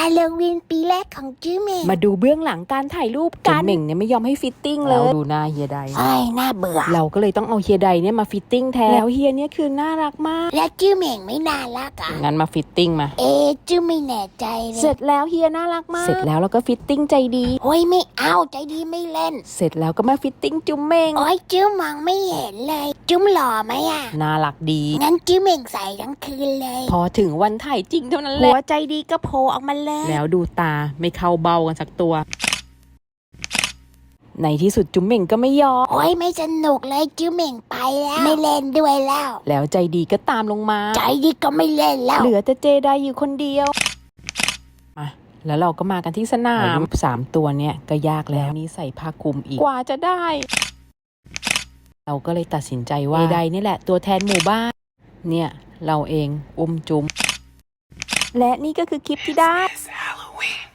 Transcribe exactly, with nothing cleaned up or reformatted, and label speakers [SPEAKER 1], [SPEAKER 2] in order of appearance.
[SPEAKER 1] าโลวีนปีแรกของจื้อเหม่ง
[SPEAKER 2] มาดูเบื้องหลังการถ่ายรูปกันเหม่งเนี่ยไม่ยอมให้ฟิตติ้งเลยดูหน้าเฮียได
[SPEAKER 1] ไอ้น่าเบื่อ
[SPEAKER 2] เราก็เลยต้องเอาเฮียไดเนี่ยมาฟิตติ้งแทนแล้วเฮียเนี่ยคือน่ารักมาก
[SPEAKER 1] และจื้อเหม่งไม่น่ารักอ่ะ
[SPEAKER 2] งั้นมาฟิตติ้งมา
[SPEAKER 1] เอจื้อไม่แน่ใจเลย
[SPEAKER 2] เสร็จแล้วเฮียน่ารักมากเสร็จแล้วเราก็ฟิตติ้งใจดี
[SPEAKER 1] โอ้ยไม่เอาใจดีไม่เล่น
[SPEAKER 2] เสร็จแล้วก็มาฟิตติ้งจุ๊มเม่ง
[SPEAKER 1] โอ้ยจื้อมองไม่เห็นเลยจุ๊มหล่อไหมอ่ะ
[SPEAKER 2] น่ารักดี
[SPEAKER 1] งั้นจื้อเหม่งใส่ทั้งคืนเลย
[SPEAKER 2] พอถึงวันถ่ายจริงเท่านั้นแหละหัวใจดีก็โผล่ออกมาเลยแล้วดูตาไม่เข้าเบ้ากันสักตัวในที่สุดจุ๊มเหม่งก็ไม่ยอม
[SPEAKER 1] โอ้ยไม่สนุกเลยจื้อเหม่งไปแล้วไม่เล่นด้วยแล้ว
[SPEAKER 2] แล้วใจดีก็ตามลงมา
[SPEAKER 1] ใจดีก็ไม่เล่นแล้ว
[SPEAKER 2] เหลือแต่เจไดอยู่คนเดียวมาแล้วเราก็มากันที่สนามสามตัวเนี่ยก็ยากแล้วนี่ใส่ผ้าคลุมอีกกว่าจะได้เราก็เลยตัดสินใจว่าเจไดนี่แหละตัวแทนหมู่บ้านเนี่ยเราเองอุ้มจุ๊มและนี่ก็คือคลิปที่ได้